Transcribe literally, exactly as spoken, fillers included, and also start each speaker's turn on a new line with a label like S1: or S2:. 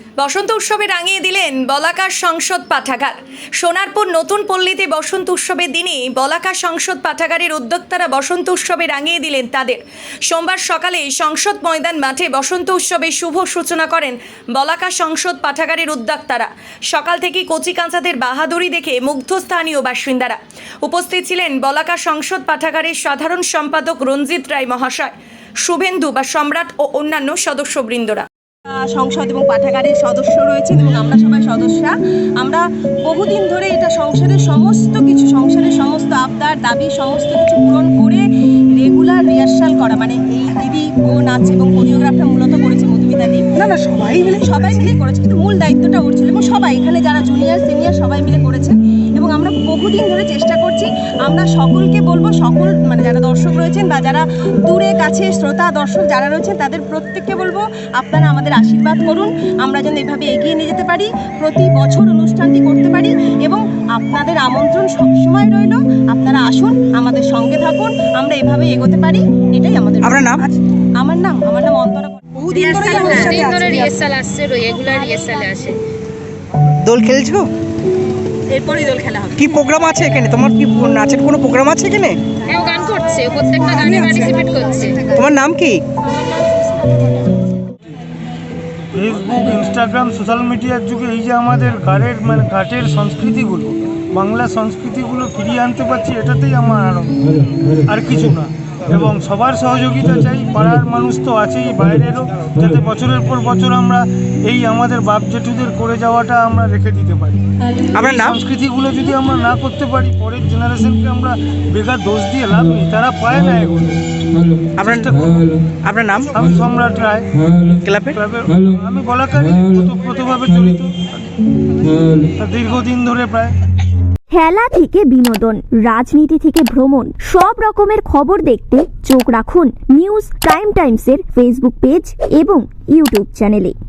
S1: বসন্ত উৎসবে রাঙিয়ে দিলেন বলাকা সংসদ পাঠাগার। সোনারপুর নতুন পল্লীতে বসন্ত উৎসবের দিনে বলাকা সংসদ পাঠাগারের উদ্যোক্তারা বসন্ত উৎসবে রাঙিয়ে দিলেন তাদের। সোমবার সকালে সংসদ ময়দান মাঠে বসন্ত উৎসবের শুভ সূচনা করেন বলাকা সংসদ পাঠাগারের উদ্যোক্তারা। সকাল থেকে কচি কাঁচাদের বাহাদুরি দেখে মুগ্ধ স্থানীয় বাসিন্দারা। উপস্থিত ছিলেন বলাকা সংসদ পাঠাগারের সাধারণ সম্পাদক রঞ্জিত রায় মহাশয়, শুভেন্দু বা সম্রাট ও অন্যান্য সদস্যবৃন্দরা।
S2: সংসদ এবং পাঠাগারের সদস্য রয়েছেন এবং আমরা সবাই সদস্যা। আমরা বহুদিন ধরে এটা সংসারের সমস্ত কিছু সংসারের সমস্ত আবদার দাবি সমস্ত কিছু পূরণ করে রেগুলার রিহার্সাল করা, মানে এই দিদি বোন আছে এবং কোরিওগ্রাফটা মূলত করেছে মধুমিতা দি। না না সবাই মিলে সবাই মিলে করেছে, কিন্তু মূল দায়িত্বটা ওর ছিল এবং সবাই এখানে যারা জুনিয়র সিনিয়র সবাই মিলে করেছে। এবং আমরা বহুদিন ধরে চেষ্টা করছি, আমরা সকলকে বলবো, সকল মানে যারা দর্শক রয়েছেন বা যারা দূরে কাছে শ্রোতা দর্শক যারা রয়েছেন তাদের প্রত্যেককে বলবো আপনারা আমাদের আশীর্বাদ করুন, আমরা যেন এভাবে এগিয়ে নিয়ে যেতে পারি, প্রতি বছর অনুষ্ঠানটি করতে পারি। এবং আপনাদের আমন্ত্রণ সবসময় রইল, আপনারা আসুন, আমাদের সঙ্গে থাকুন, আমরা এভাবে এগোতে পারি, এটাই আমাদের।
S3: আপনার নাম?
S2: আমার নাম আমার নাম অন্তরা। বহুদিন ধরে
S4: রিহার্সাল আসছে, রেগুলার রিহার্সালে আসে।
S3: দোল খেলছো?
S2: এরপরই দোল খেলা হবে।
S3: কি প্রোগ্রাম আছে এখানে? তোমার কি নাচের কোনো প্রোগ্রাম আছে এখানে?
S4: হ্যাঁ, ও গান করছে, প্রত্যেকটা গানে পার্টিসিপেট করছে।
S3: তোমার নাম কি?
S5: ফেসবুক, ইনস্টাগ্রাম, সোশ্যাল মিডিয়ার যুগে এই যে আমাদের ঘাটের মানে ঘাটের সংস্কৃতিগুলো, বাংলা সংস্কৃতিগুলো ফিরিয়ে আনতে পারছি, এটাতেই আমার আনন্দ, আর কিছু না। এবং সবার সহযোগিতা চাই, পাড়ার মানুষ তো আছেই, বাইরেরও, যাতে বছরের পর বছর আমরা এই আমাদের বাপ জেঠুদের করে যাওয়াটা আমরা রেখে দিতে পারি।
S3: আপনার নাম?
S5: সংস্কৃতিগুলো যদি আমরা না করতে পারি, পরের জেনারেশনকে আমরা বেকার দোষ দিয়ে লাভ নেই, তারা পায় না এগুলো।
S3: আপনার আপনার নাম?
S5: আমি সম্রাট রায়,
S3: ক্লাবের
S5: ক্লাবের আমি বলাকারী, ওতপ্রোতভাবে জড়িত দীর্ঘদিন ধরে প্রায়।
S6: খেলা থেকে বিনোদন, রাজনীতি থেকে ভ্রমণ, সব রকমের খবর দেখতে চোখ রাখুন নিউজ প্রাইম টাইমসের ফেসবুক পেজ এবং ইউটিউব চ্যানেলে।